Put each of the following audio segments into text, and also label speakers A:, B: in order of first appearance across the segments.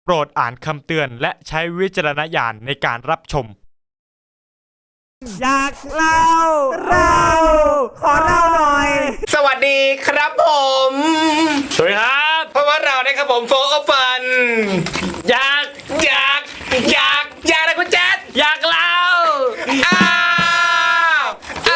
A: โปรดอ่านคำเตือนและใช้วิจารณญาณในการรับชม
B: อยากเล่าขอเล่าหน่อย
C: สวัสดีครับผม
A: สวัสดีครับ
C: เพราะว่าเราเนี่ยครับผมโฟร์ฟันอยากนะคุณแจ๊ด
A: อยากเล่า
C: อ้าว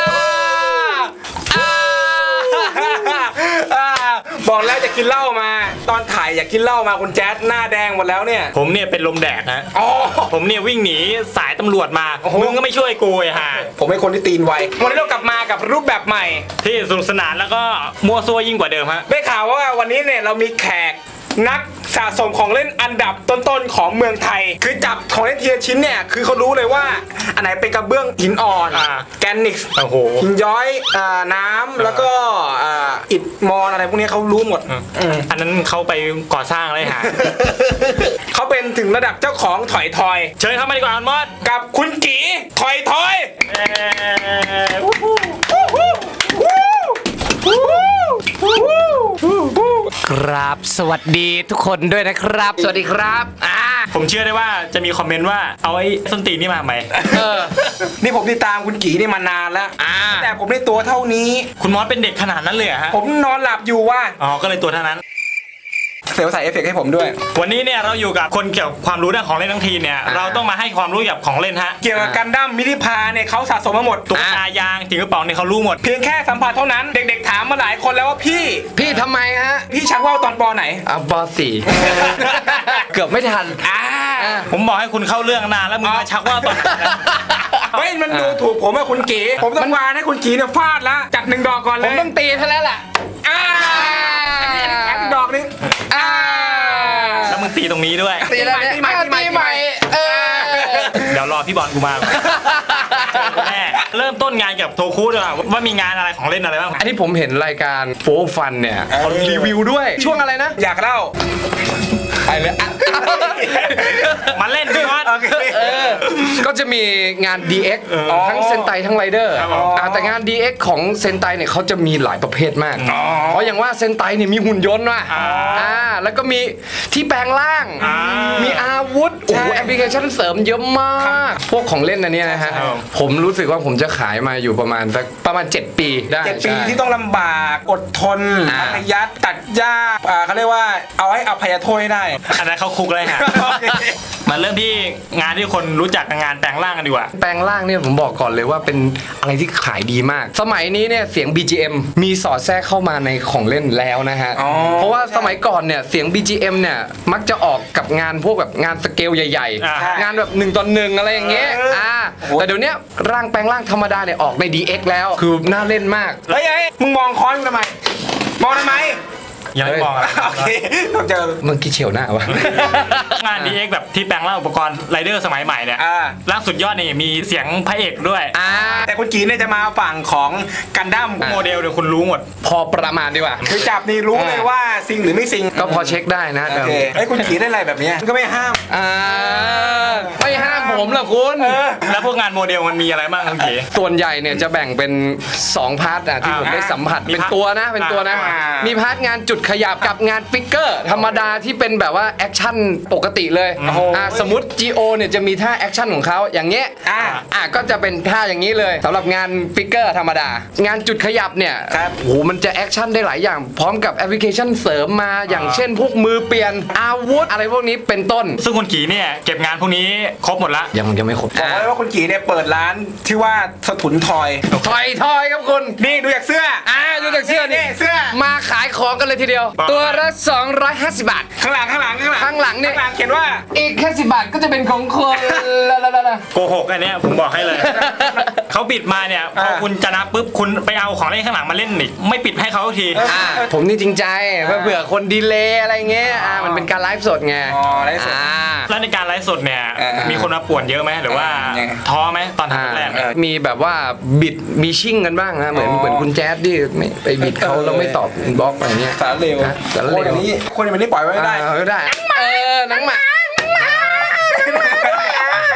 C: บอกแล้วจะกินเหล้ามาตอนถ่ายอยากกินเหล้ามาคุณแจ๊ดหน้าแดงหมดแล้วเนี่ย
A: ผมเนี่ยเป็นลมแดดฮะผมเนี่ยวิ่งหนีสายตำรวจมามึงก็ไม่ช่วยกูไอ้ห่า
C: ผมเป็นคนที่ตีนไววันนี้เรากลับมากับรูปแบบใหม่
A: ที่สนุกสนานแล้วก็มัวซัวยิ่งกว่าเดิมฮะ
C: ได้ข่าวว่าวันนี้เนี่ยเรามีแขกนักสะสมของเล่นอันดับต้นๆของเมืองไทยคือจับของเล่นทีละชิ้นเนี่ยคือเขารู้เลยว่าอันไหนเป็นกระเบื้องหินอ่อนแกรนิตหินย้อยน้ำแล้วก็อิฐมอนอะไรพวกนี้เขารู้หมด
A: อันนั้นเขาไปก่อสร้างเลยฮะ
C: เขาเป็นถึงระดับเจ้าของถอยทอย
A: เชิญเข้ามาดีกว่าอันมอด
C: กับคุณกีถอยทอย
B: ครับสวัสดีทุกคนด้วยนะครับสวัสดีครับ
A: ผมเชื่อได้ว่าจะมีคอมเมนต์ว่าเอาไอ้ส้นตีนนี่มาไหม
C: นี่ผมติดตามคุณกีนี่มานานแล้วแต่ผมได้ตัวเท่านี้
A: คุณมอสเป็นเด็กขนาดนั้นเลยฮะ
C: ผมนอนหลับอยู่ว่า
A: ก็เลยตัวเท่านั้น
C: เซลล์ใส่เอฟเฟกต์ให้ผมด้วย
A: วันนี้เนี่ยเราอยู่กับคนเกี่ยวกับความรู้ด้านของเล่นทั้งทีเนี่ยเราต้องมาให้ความรู้เกี่ยวกับของเล่นฮะ
C: เกี่ยวกับกันดั้มมินิพาเนี่ยเขาสะสมมาหมด
A: ตุ๊กตายางถึงกระเป๋าเนี่ยเขารู้หมด
C: เพียงแค่สัมผัสเท่านั้นเด็กๆถามมาหลายคนแล้วว่าพี่
B: ทำไมฮะ
C: พี่ชักว่าวตอนป.ไหน
B: ป.4 เกือบไม่ทัน
A: ผมบอกให้คุณเข้าเรื่องนานแล้วมึงมาชักว่าวตอน
C: เฮ้ยมันดูถูกผมว่าคุณกีผมต้องวานให้คุณกีเนี่ยฟาดแล้วจัด1 ดอกก่อนเลย
B: ผมต้องตีเท่านั้นแหละ
C: ดอกนี้
A: แล้วมึงตีตรงนี้ด้วย
B: ตีอะไรตีใหม่
A: เดี๋ยวรอพี่บอลกูมาแม่เริ่มต้นงานกับโทคุด้วยว่ามีงานอะไรของเล่นอะไรบ้าง
B: อันนี้ผมเห็นรายการโฟร์ฟันเนี่ยเขารีวิวด้วยช่วงอะไรนะ
C: อยากเล่า
B: ไปเลย
A: มาเล่นพี่บอล
B: ก็จะมีงาน DX ทั้งเซนไตทั้งไรเดอร์แต่งาน DX ของเซนไตเนี่ยเขาจะมีหลายประเภทมากเพราะอย่างว่าเซนไตเนี่ยมีหุ่นยนต์ว่ะแล้วก็มีที่แปลงร่างมีอาวุธโอ้โหแอปพลิเคชันเสริมเยอะมากพวกของเล่นอันนี้นะฮะผมรู้สึกว่าผมจะขายมาอยู่ประมาณ7 ปีได้
C: 7 ปีที่ต้องลำบากอดทนอัธยัสตัดยากเขาเรียกว่าเอาให้อภัยโทษให้ได้
A: อันนั้นเขาคุกเลยฮะมาเริ่มที่งานที่คนรู้จักงานแปลงร่างกันดีกว่า
B: แปลงร่างเนี่ยผมบอกก่อนเลยว่าเป็นอะไรที่ขายดีมากสมัยนี้เนี่ยเสียง BGM มีสอดแทรกเข้ามาในของเล่นแล้วนะฮะเพราะว่าสมัยก่อนเนี่ยเสียง BGM เนี่ยมักจะออกกับงานพวกแบบงานสเกลใหญ่ๆงานแบบ1 ต่อ 1อะไรอย่างเงี้ยแต่เดี๋ยวนี้ร่างแปลงร่างธรรมดาเนี่ยออกใน DX แล้วคือน่าเล่นมาก
C: เฮ้ยมึงมองค้อนทำไมมองทำไม
A: ยังไม่บอก
C: โอเคต้องเจอ
B: มึงกี่เฉียวหน้าวะ
A: งาน DX แบบที่แปลงร่างอุปกรณ์ไรเดอร์สมัยใหม่เนี่ยร่างสุดยอดนี่มีเสียงพระเอกด้วย
C: แต่คุณกีเนี่ยจะมาฝั่งของกันดั้ม
A: โมเดลเดี๋ยวคุณรู้หมด
B: พอประมาณดีกว่า
C: คือจับนี่รู้เลยว่าซิงหรือไม่ซิง
B: ก็พอเช็คได้นะ
C: โอเคไอ้คุณกีได้อะไรแบบนี้ก็ไม่ห้าม
B: ไม่ห้ามผมหรอกคุณ
A: แล้วพวกงานโมเดลมันมีอะไรบ้างคุณกี
B: ส่วนใหญ่เนี่ยจะแบ่งเป็น2 พาร์ทที่ผมได้สัมผัสเป็นตัวนะมีพาร์ทงานจุดขยับกับงานฟิกเกอร์ธรรมดาที่เป็นแบบว่าแอคชั่นปกติเลยสมมติ GO เนี่ยจะมีท่าแอคชั่นของเขาอย่างเงี้ยก็จะเป็นท่าอย่างนี้เลยสำหรับงานฟิกเกอร์ธรรมดางานจุดขยับเนี่ยโหมันจะแอคชั่นได้หลายอย่างพร้อมกับแอปพลิเคชันเสริมมาอย่างเช่นพวกมือเปลี่ยนอาวุธอะไรพวกนี้เป็นต้น
A: ซึ่งคุณกีเนี่ยเก็บงานพวกนี้ครบหมดละ
B: ยังไม่ครบ
C: บอกเลยว่าคุณกีเนี่ยเปิดร้านที่ว่าสถุนทอย
B: ครับคุณ
C: นี่ดูจากเสื้อ
B: ดูจากเสื้อนี่
C: เสื้อ
B: มาขายของกันเลยทีเดียวตัวละ250 บาท
C: ข้างหลังเนี่ยข้างหลังเขียนว่า
B: อีกแค่10 บาทก็จะเป็นของคน
A: โกหกอันเนี้ยผมบอกให้เลยเขาปิดมาเนี่ยพอคุณจะนับปุ๊บคุณไปเอาของเล่นข้างหลังมาเล่นอีกไม่ปิดให้เขาที
B: ผมนี่จริงใจเผื่อคนดีเลย์อะไรเงี้ยมันเป็นการไลฟ์สดไง
C: ไลฟ์สด
A: แล้วในการไลฟ์สดเนี่ยมีคนมาป่วนเยอะไหมหรือว่าท้อไหมตอนทำแรก
B: มีแบบว่าบิดมีชิ่งกันบ้างนะเหมือนคุณแจ๊ดที่ไม่ไปบิดเขาแล้วไม่ตอบบล็อกอะไรเงี้ย
C: สารเลวคนอย่างนี้ปล่อยไว้ไม่ได้
B: หนังหมา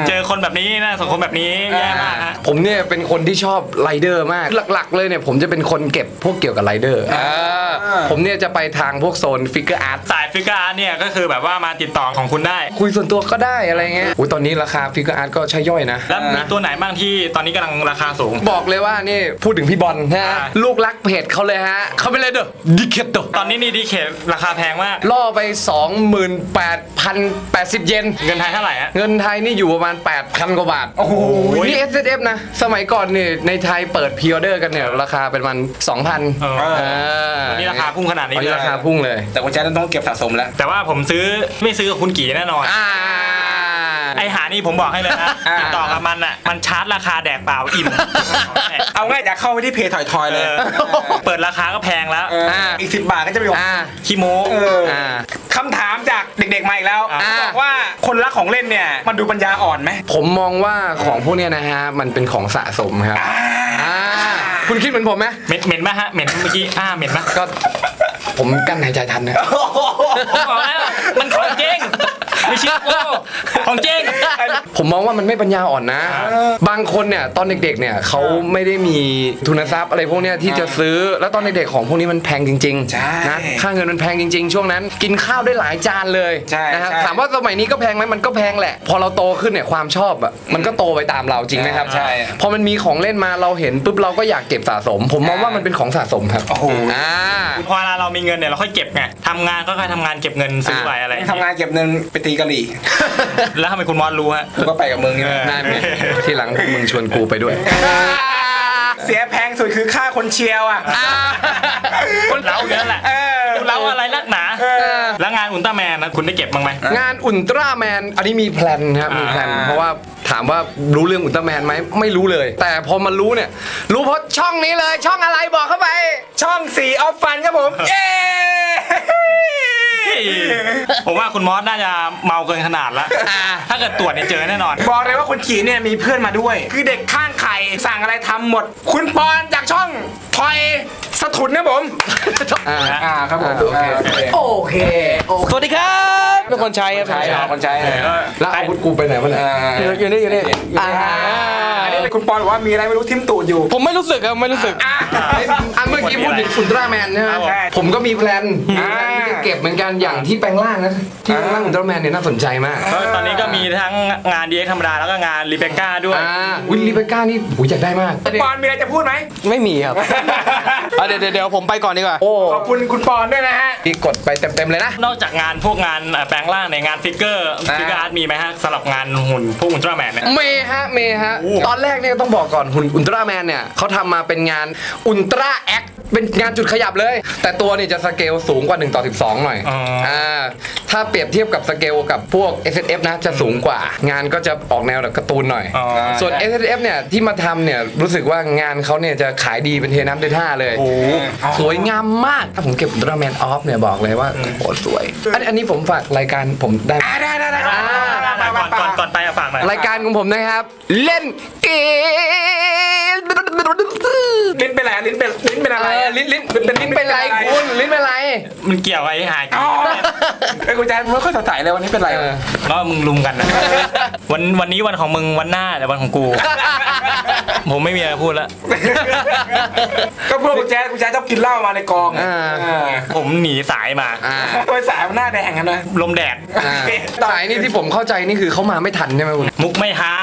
A: เจอคนแบบนี้นะสังคมแบบนี้แย่มากฮะ
B: ผมเนี่ยเป็นคนที่ชอบไรเดอร์มากหลักๆเลยเนี่ยผมจะเป็นคนเก็บพวกเกี่ยวกับไรเดอร์ผมเนี่ยจะไปทางพวกโซนฟิกเกอร์อาร์ต
A: สายฟิกเกอร์อาร์ตเนี่ยก็คือแบบว่ามาติดต่อของคุณได้
B: คุยส่วนตัวก็ได้อะไรเงี้ยอุ้ยตอนนี้ราคาฟิกเกอร์อาร์ตก็ใช่ย่อยนะ
A: แล้วมีตัวไหนบ้างที่ตอนนี้กำลังราคาสูง
B: บอกเลยว่านี่พูดถึงพี่บอลนะฮะ
A: อ่า
B: ลูกรักเพจเขาเลยฮะเขาไปเลยเด้อดิเคตโต
A: ตอนนี้นี่ดีเคราคาแพงมาก
B: ล่อไป 28,080 เยน
A: เงินไทยเท่าไหร่ฮะ
B: เงินไทยนี่อยู่ประมาณ 8,000 กว่าบาท
C: โอ้โห
B: นี่ SSF นะ สมัยก่อนนี่ในไทยเปิดพรีออเดอร์กันเนี่ยราคาเป็นมัน 2,000
A: เออ ตอนนี้ราคาพุ่งขนาดนี้
B: ตอน
A: เล
B: นี้
A: ย
B: ราคาพุ่งเลย
C: แต่คุณแจ๊ดต้องเก็บสะสมแล้ว
A: แต่ว่าผมไม่ซื้อกับคุณกี่แน่นอน ไอหานี่ผมบอกให้เลยนะ
C: อ่า
A: ติดต่อกับมันอ่ะมันชาร์จราคาแดกเปล่าอิ่ม
C: เอาง่ายจากเข้าไปที่เพจถอยๆเลย
A: เปิดราคาก็แพงแล้ว
C: อีก10 บาทก็จะไปบอก
A: ขี้โม้
C: คำถามจากเด็กๆมาอีกแล้ว
A: อ่า
C: บอกว่าคนรักของเล่นเนี่ยมันดูปัญญาอ่อนไหม
B: ผมมองว่าของพวกเนี้ยนะฮะ มันเป็นของสะสมครับคุณคิดเหมือนผมไหม
A: เหม็นไหมฮะเหม็นเมื่อกี้เหม็นไหม
B: ก็ผมกั้นหายใจทันนะ
A: ผมบอกแล้วมันของจริงไม่เชื่อกูของจริง
B: ผมมองว่ามันไม่ปัญญาอ่อนนะ บางคนเนี่ยตอนเด็กๆเนี่ยเขาไม่ได้มีทุนทรัพย์อะไรพวกเนี้ยที่จะซื้อ แล้วตอนเด็กๆของพวกนี้มันแพงจริง
C: ใช่
B: ๆนะค่าเงินมันแพงจริงๆ ช่วงนั้นกินข้าวได้หลายจานเลย
C: ใช่
B: นะครับ
C: ใช่
B: ถามว่าสมัยนี้ก็แพงไหมมันก็แพงแหละ พอเราโตขึ้นเนี่ยความชอบอ่ะมันก็โตไปตามเราจริงไหมครับ
C: ใช่
B: พอมันมีของเล่นมาเราเห็นปุ๊บเราก็อยากเก็บสะสม ผมมองว่ามันเป็นของสะสมครับ
C: โอ้โห
A: พอเวลาเรามีเงินเนี่ยเราค่อยเก็บไงทำงานก็ค่อยทำงานเก็บเงินซื้อไปอะไร
C: ทำงานเก็บเงินไปตีกะหรี่
A: แล้วทำไมคุณมอสรู้ฮะ
C: กูก็ไปกับมึงนี่แหละ
B: นั่นไงที่หลังพวกมึงชวนกูไปด้วย
C: เสียแพงสุดคือค่าคนเชียร์อ่ะ
A: คนเล้าเยอะแหละ คุณเล้าอะไรนักหนา แล้วงานอุลตร้าแมนนะคุณได้เก็บบ้างไหม
B: งานอุลตร้าแมนอันนี้มีแพลนครับมีแพลนเพราะว่าถามว่ารู้เรื่องอุลตร้าแมนไหมไม่รู้เลย แต่พอมารู้เนี่ยรู้เพราะช่องนี้เลยช่องอะไรบอกเข้าไป
C: ช่อง4ออฟฟันครับผม เย้
A: ผมว่าคุณมอสน่าจะเมาเกินขนาดแล้ว ถ้าเกิดตรวจเนี่ยเจอแน่นอน
C: บอกเลยว่าคุณขีเนี่ยมีเพื่อนมาด้วย คือเด็กข้างไข่สั่งอะไรทำหมด คุณปอนจากช่องทอยสถุนนะผมครับผม
B: โอเค
C: โอเค
D: สวัสดีครับเป็นคนใช้ครับ
C: ใช่คนใช้
B: แล้วอาวุธกูไปไหนวะเนี่ย
D: อยู่นี่อยู่นี่
C: อันนี้เป็นคุณปอนบอกว่ามีอะไรไม่รู้ทิ่มตูดอยู่
D: ผมไม่รู้สึกครับไม่รู้สึก
B: อันเมื่อกี้พูดถึงอุลตร้าแมนใช่ไหม
C: ใช่
B: ผมก็มีแพลนที่จะเก็บเหมือนกันอย่างที่แปลงร่างนะที่แปลงร่างอุลตร้าแมนเนี่ยน่าสนใจมาก
A: ตอนนี้ก็มีทั้งงานดีเอ็กธรรมดาแล้วก็งานรีเบคก้าด้วย
B: วิลลี่เบก้านี่หูอยากได้มาก
C: ปอนมีอะไรจะพูดไหม
D: ไม่มีครับเดี๋ยวผมไปก่อนดีกว่า
B: โอ้
C: ขอบคุณคุณปอนด้วยนะฮะ
B: ที่กดไปเต็มๆเลยนะ
A: นอกจากงานพวกงานแปลงร่างในงานฟิกเกอร์อาร์ตมีไหมฮะสำหรับงานหุ่นพวกอุลตร้าแมนเนี่ย
B: เมฮะตอนแรกเนี่ยต้องบอกก่อนหุ่นอุลตร้าแมนเนี่ยเขาทำมาเป็นงานอุลตร้าแอคเป็นงานจุดขยับเลย แต่ตัวเนี่ยจะสเกลสูงกว่า1 ต่อ 12 หน่อยถ้าเปรียบเทียบกับสเกลกับพวก SSF นะจะสูงกว่า งานก็จะออกแนวแบบการ์ตูนหน่อย ส่วน SSF เนี่ยที่มาทำเนี่ยรู้สึกว่างานเขาเนี่ยจะขายดีเป็นเทน้ำเทท่าเลยสวยงามมากถ้าผมเก็บอุลตร้าแมนออฟเนี่ยบอกเลยว่าโคตรสวย อันนี้ผมฝากรายการผมได้
C: ได้
A: ก่อนไปฝากหน่อย
B: รายการของผมนะครับ เล่นเกม
C: ลิ้นเป็นอะไรลิ้นเป็นอะไร
B: ลิ้นเป็นไรคุณลิ้นเป็นไร
A: มันเกี่ยวไอ้หาย
C: ไอ้คุณแจ๊ดไม่ค่อยสดใสเลยวันนี้เป็นไร
A: ก็มึงลุมกันนะวันนี้วันของมึงวันหน้าแต่วันของกู ผมไม่มีอะไรพูดแล้ว
C: ก็พวกคุณแจ๊ดชอบกินเหล้ามาในกอง
A: ผมหนีสายมา
C: ทำไมสายมันหน้าแดงกันนะ
A: ลมแดด
B: สายนี่ที่ผมเข้าใจนี่คือเขามาไม่ทันใช่ไหมคุณ
A: มุกไม่ฮา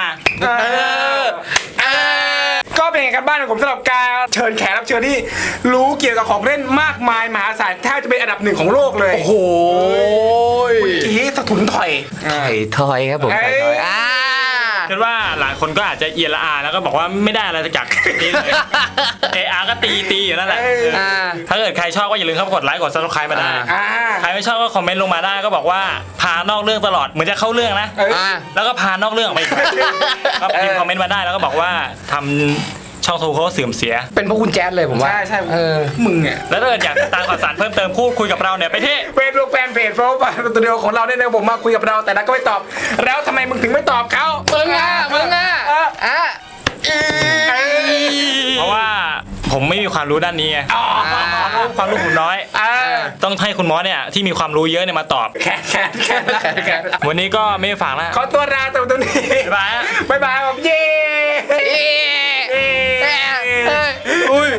C: ก็เป็นไงกันบ้านของผมสำหรับการเชิญแขกรับเชิญที่รู้เกี่ยวกับของเล่นมากมายมหาศาลแทบจะเป็นอันดับ1ของโลกเลย
B: โอ้โห
C: กี้สะทุนถอย
B: ถอยครับผมถอย
A: คิดว่าหลายคนก็อาจจะเอียนละอาแล้วก็บอกว่าไม่ได้อะไรจากนี้เลยAR ก็ตีอยู่นั่นแหละถ้าเกิดใครชอบก็อย่าลืมเข้ามากดไลค์กด Subscribe มาได้ใครไม่ชอบก็คอมเมนต์ลงมาได้ก็บอกว่าพานอกเรื่องตลอดเหมือนจะเข้าเรื่องนะแล้วก็พานอกเรื่องไปก็พิมพ์คอมเมนต์มาได้แล้วก็บอกว่าทำช่องโทรเขาเสื่อมเสีย
B: เป็นเพราะคุณแจ๊ดเลยผมว่า
C: ใช่มึงอ่ะ
A: แล้วถ้าเกิดอยากติดตามข่าวสารเพิ่มเติมพูดคุยกับเราเนี่ยไปที่
C: เฟซบุ๊กแฟนเพจโฟล์สตูดิโอของเราเนี่ยผมมาคุยกับเราแต่นักก็ไม่ตอบ แล้วทำไมมึงถึงไม่ตอบเขา
B: มึงอ่ะ
A: เพราะว่าผมไม่มีความรู้ด้านนี้ไงความรู้ผมน้อย ต้องให้คุณมอสเนี่ยที่มีความรู้เยอะเนี่ยมาตอบ
C: แขก
A: วันนี้ก็ไม่ฝากแล้ว
C: เขาตัวราตัวนี้
A: บ๊ายบาย
C: บ๊ายบายผมเย้
B: อุ้ย